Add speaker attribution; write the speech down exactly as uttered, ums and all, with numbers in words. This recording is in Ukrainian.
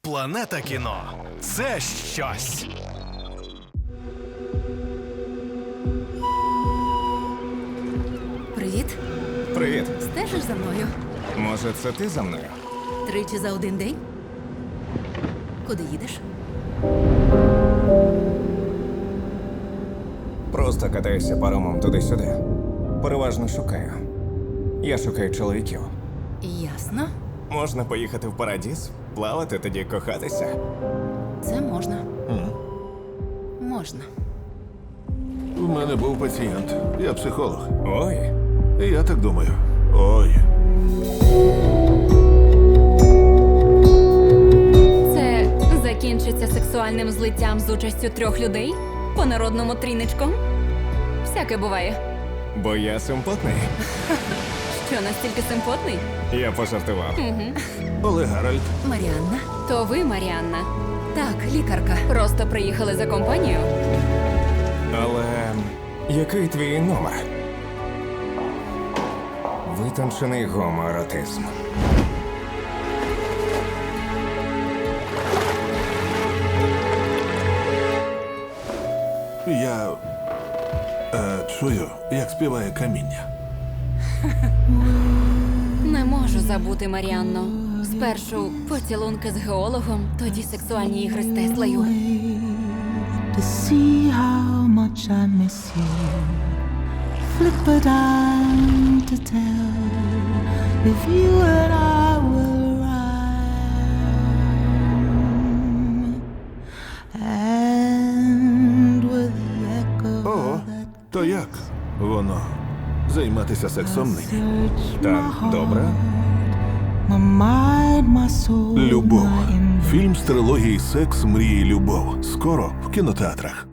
Speaker 1: Планета кіно – це щось.
Speaker 2: Привіт.
Speaker 3: Привіт.
Speaker 2: Стежиш за мною?
Speaker 3: Може, це ти за мною?
Speaker 2: Тричі за один день? Куди їдеш?
Speaker 3: Просто катаюся паромом туди-сюди. Переважно шукаю. Я шукаю чоловіків.
Speaker 2: Ясно.
Speaker 3: Можна поїхати в Парадіз, плавати, тоді кохатися.
Speaker 2: Це можна. Можна.
Speaker 4: У мене був пацієнт. Я психолог.
Speaker 3: Ой,
Speaker 4: І я так думаю. Ой.
Speaker 5: Це закінчиться сексуальним злиттям з участю трьох людей? По-народному тріничком? Всяке буває.
Speaker 3: бо я симпотний.
Speaker 5: Що, настільки симпотний?
Speaker 3: Я пожартував.
Speaker 4: Олег Гаральд.
Speaker 2: Маріанна?
Speaker 5: То ви, Маріанна,
Speaker 2: Так, лікарка.
Speaker 5: просто приїхали за компанію?
Speaker 3: Але який твій номер? Витончений гомоеротизм.
Speaker 4: Я е, чую, як співає каміння.
Speaker 5: Не можу забути, Маріанно. Спершу поцілунки з геологом, тоді сексуальні ігри з Теслою.
Speaker 6: To see how much I miss you. Flip a dime to tell if you and I will rhyme. And with the echo
Speaker 4: Ого,
Speaker 6: that
Speaker 4: то як воно займатися сексом нині?
Speaker 6: search
Speaker 3: Так,
Speaker 6: my
Speaker 3: добре.
Speaker 6: heart, my mind, my soul,
Speaker 4: Любов.
Speaker 6: my
Speaker 4: Фільм з трилогії «Секс, мрії, любов». Скоро в кінотеатрах.